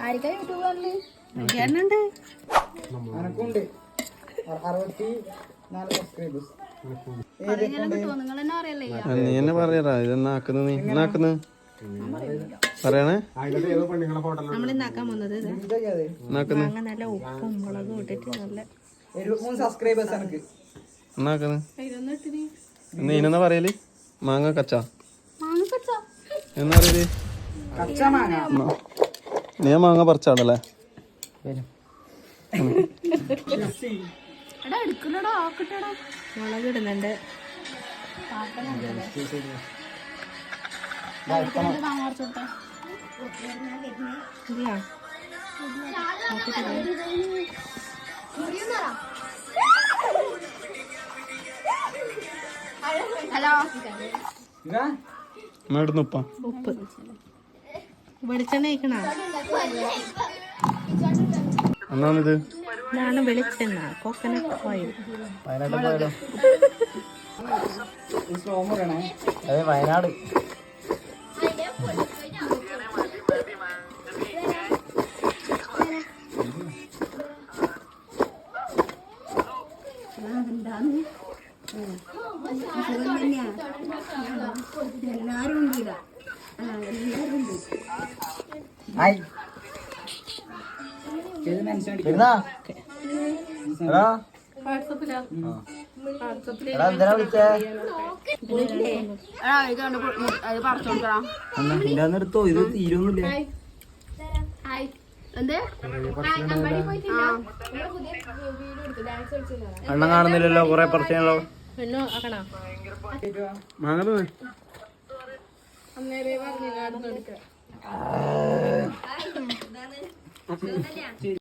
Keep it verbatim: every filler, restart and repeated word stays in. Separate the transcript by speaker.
Speaker 1: നീ എന്നെ പറയടാ ഇതെന്നാക്കുന്നു നീ എന്നാക്കുന്നു പറയണേ
Speaker 2: നമ്മളിന്നാക്കാൻ വന്നത് നല്ല ഉപ്പും മുളകും ഇട്ടിട്ട് നല്ല
Speaker 1: എന്നാക്കുന്നു നീ ഇനെന്നാ പറയല് മാങ്ങ കച്ച എന്നാ പറയല് നീ മാങ്ങ പറിച്ചാടല്ലേ
Speaker 2: മുളക് ഇടുന്നുണ്ട്
Speaker 1: ഉപ്പ
Speaker 2: ഉപ്പ് വെളിച്ചെണ്ണ കഴിക്കണ
Speaker 1: എന്നാണിത്
Speaker 2: ഇതാണ് വെളിച്ചെണ്ണ കോക്കനട്ട് ഓയിൽ
Speaker 1: വയനാട്
Speaker 2: എല്ലാരും ഉണ്ട്
Speaker 1: എടുത്തോ ഇത് തീരൊന്നുമില്ല എണ്ണം കാണുന്നില്ലല്ലോ കൊറേ പറിച്ചാലോ മാങ്ങ